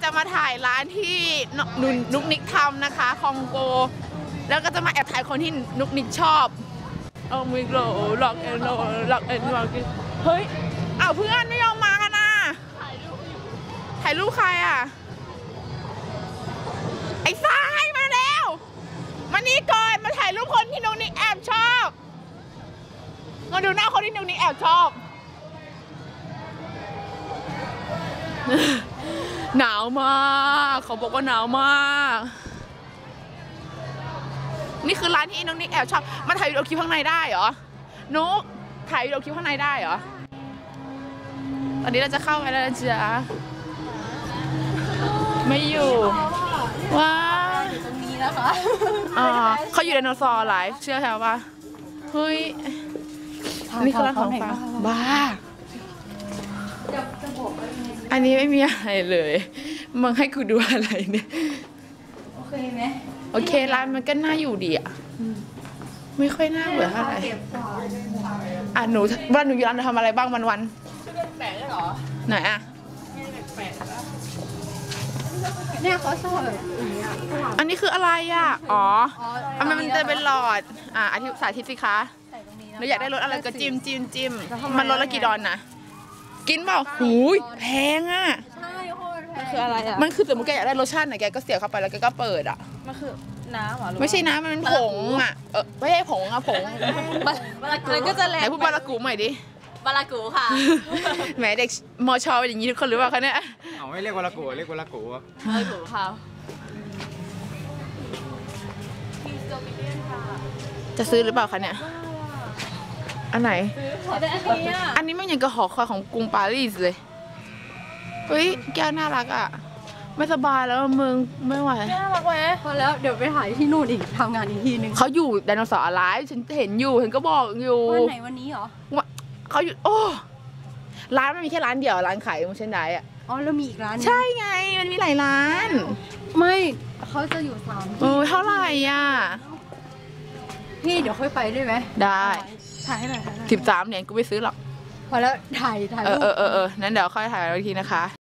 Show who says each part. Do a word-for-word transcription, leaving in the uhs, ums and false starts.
Speaker 1: จะมาถ่ายร้านที่นุนนุกนิกทำนะคะคองโกแล้วก็จะมาแอบถ่ายคนที่นุกนิกชอบเอามิโลล็อกเอ็นโลล็อกเอ็นล็อกเฮ้ยเอาเพื่อนไม่ยอมมากันนะถ่ายรูปถ่ายรูปใครอ่ะไอ้ทรายมาแล้วมานี่ก่อนมาถ่ายรูปคนที่นุกนิกแอบชอบมาดูหน้าคนที่นุกนิกแอบชอบหนาวมากเขาบอกว่าหนาวมากนี่คือร้านที่น้องนิกแอบชอบมาถ่ายวิดีโอคลิปข้างในได้เหรอนุกถ่ายวิดีโอคลิปข้างในได้เหรอตอนนี้เราจะเข้าไปแล้วจ้ะไม่อยู่ว้าอยู่ตรงนี้นะคะอ๋อเขาอยู่ไดโนเสาร์ไลฟ์เชื่อแถวป่ะเฮ้ยนี่คือร้านของฝากบ้าอันนี้ไม่มีอะไรเลยมึงให้กูดูอะไรเนี่ยโอเคไหมโอเคร้านมันก็น่าอยู่ดีอ่ะไม่ค่อยน่าเบื่อเท่าไหร่อ่ะหนูวันหนูอยู่ร้านทำอะไรบ้างวันวันแปลกๆหรอไหนอ่ะ
Speaker 2: เนี่ยเขาชอบแบบ
Speaker 1: อันนี้คืออะไรอ่ะอ๋ออันมันจะเป็นหลอดอ่ะอธิบายสาธิตสิคะหนูอยากได้รสอะไรก็จิ้มจิ้มจิ้มมันรสละกี่ดอนนะกินเปล่าหูยแพงอ่ะ
Speaker 2: ใช่โคตรแพง
Speaker 1: คืออะไรอ่ะมันคือสมมติแกอยากได้รสชาติไหนแกก็เสียบเข้าไปแล้วแกก็เปิดอ่ะ
Speaker 2: มันคือน้ำหรอ
Speaker 1: ไม่ใช่น้ำมันเป็นผงอ่ะเออไม่ใช่ผงอ่ะผง
Speaker 2: บาลากูก็จะแรง
Speaker 1: ไหนพูดบาลากูใหม่ดิ
Speaker 2: บาลากูค่ะ
Speaker 1: แหมเด็กมอชอเป็นอย่างนี้ทุกคนหรือเปล่าคะเนี่ย
Speaker 3: เอาไม่เรียกบาลากูเรียกบาลากู
Speaker 2: บาลากูค่ะ
Speaker 1: จะซื้อหรือเปล่าคะเนี่ยอันไหน
Speaker 2: อันนี้
Speaker 1: อันนี้มันยังกระหอคอยของกรุงปารีสเลยเฮ้ยแก้วน่ารักอ่ะไม่สบายแล้วมึงไม่ไหว
Speaker 2: น่ารักไหมพอแล้วเดี๋ยวไปถ่ายที่นู่นอีกทำงานอีกทีนึง
Speaker 1: เขาอยู่ไดโนเสาร์อะไรฉันเห็นอยู่เห็นก็บอกอยู่
Speaker 2: วันไหนวันนี้เหรอ
Speaker 1: เขาอยู่โอ้ร้านมันมีแค่ร้านเดียวร้านขายมูเชนไดอ่ะ
Speaker 2: อ๋อแล้วมีอีกร้าน
Speaker 1: ใช่ไงมันมีหลายร้าน
Speaker 2: ไม่เขาจะอยู่สาม
Speaker 1: โอ้เท่าไหร่อ่ะ
Speaker 2: พี่เดี๋ยวค่อยไปได้ไหม
Speaker 1: ได้
Speaker 2: ถ่ายให้หน่อย
Speaker 1: สิบสามเหรียญกูไม่ซื้อหรอก
Speaker 2: พอแล้วถ่ายถ่าย
Speaker 1: เออเออเออนั้นเดี๋ยวค่อยถ่ายอีกทีนะคะ